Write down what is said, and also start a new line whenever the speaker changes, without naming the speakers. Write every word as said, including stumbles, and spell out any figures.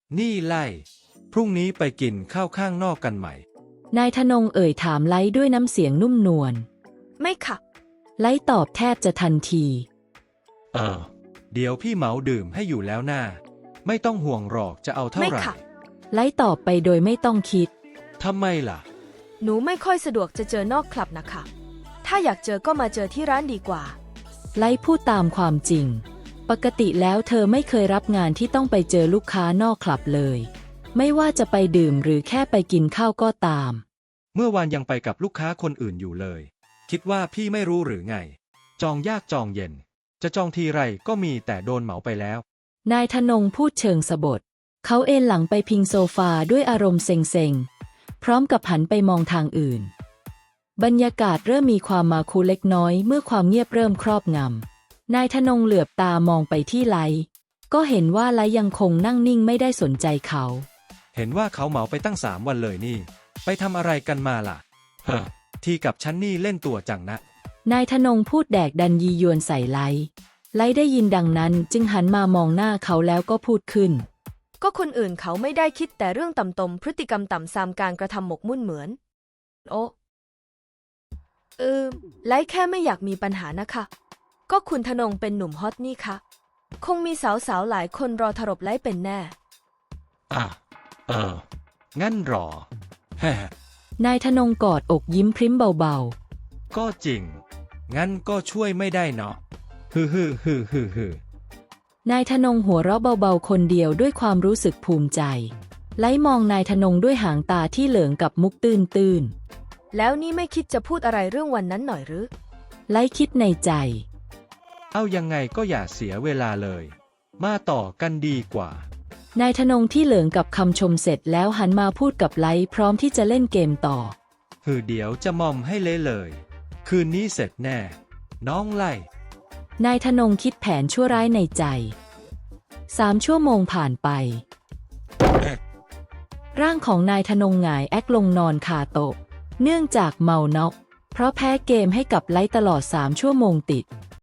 นี่ไล่พรุ่งนี้ไปกินข้าวข้างนอกกันไหม
นายธนงเอ่ยถามไล้ด้วยน้ำเสียงนุ่มนวล
ไม่ค่ะ
ไล้ตอบแทบจะทันที
เออเดี๋ยวพี่เหมาดื่มให้อยู่แล้วหน้าไม่ต้องห่วงหรอกจะเอาเท่าไหร่
ไล้ตอบไปโดยไม่ต้องคิด
ทำไมล่ะ
หนูไม่ค่อยสะดวกจะเจอนอกคลับนะคะถ้าอยากเจอก็มาเจอที่ร้านดีกว่า
ไล้พูดตามความจริงปกติแล้วเธอไม่เคยรับงานที่ต้องไปเจอลูกค้านอกคลับเลยไม่ว่าจะไปดื่มหรือแค่ไปกินข้าวก็ตาม
เมื่อวานยังไปกับลูกค้าคนอื่นอยู่เลยคิดว่าพี่ไม่รู้หรือไงจองยากจองเย็นจะจองทีไรก็มีแต่โดนเหมาไปแล้ว
นายธนงพูดเชิงสบถเขาเอนหลังไปพิงโซฟาด้วยอารมณ์เซ็งๆพร้อมกับหันไปมองทางอื่นบรรยากาศเริ่มมีความมาคูเล็กน้อยเมื่อความเงียบเริ่มครอบงำนายธนงเหลือบตามองไปที่ไลก็เห็นว่าไลยังคงนั่งนิ่งไม่ได้สนใจเขา
เห็นว่าเขาเหมาไปตั้งสามวันเลยนี่ไปทำอะไรกันมาล่ะเฮ้อทีกับฉันนี่เล่นตัวจังนะ
นายธนงพูดแดกดันยียวนใส่ไลไลได้ยินดังนั้นจึงหันมามองหน้าเขาแล้วก็พูดขึ้น
ก็คนอื่นเขาไม่ได้คิดแต่เรื่องต่ำตมพฤติกรรมต่ำซามการกระทำหมกมุ่นเหมือนโอ้เออไลแค่ไม่อยากมีปัญหานะคะก็คุณธนงเป็นหนุ่มฮอตนี่คะคงมีสาวๆหลายคนรอถรบไลเป็นแน่
อ่ะเอองั้นรอแฮ่
นายธนงกอดอกยิ้มพริ้มเบา
ๆก็จริงงั้นก็ช่วยไม่ได้เนาะฮือฮือฮือฮือฮื
อนายธนงหัวเราะเบาๆคนเดียวด้วยความรู้สึกภูมิใจไล่มองนายธนงด้วยหางตาที่เหลืองกับมุกตื้น
ๆแล้วนี่ไม่คิดจะพูดอะไรเรื่องวันนั้นหน่อยหรือ
ไล่คิดในใจ
เอายังไงก็อย่าเสียเวลาเลยมาต่อกันดีกว่
านายธนงที่เหลืองกับคำชมเสร็จแล้วหันมาพูดกับไลพร้อมที่จะเล่นเกมต่อ
ฮือเดี๋ยวจะมอมให้เละเลยคืนนี้เสร็จแน่น้องไล่
นายธนงคิดแผนชั่วร้ายในใจสามชั่วโมงผ่านไปร่างของนายธนงหงายแอกลงนอนคาโต๊ะเนื่องจากเมาน็อกเพราะแพ้เกมให้กับไลตลอดสามชั่วโมงติด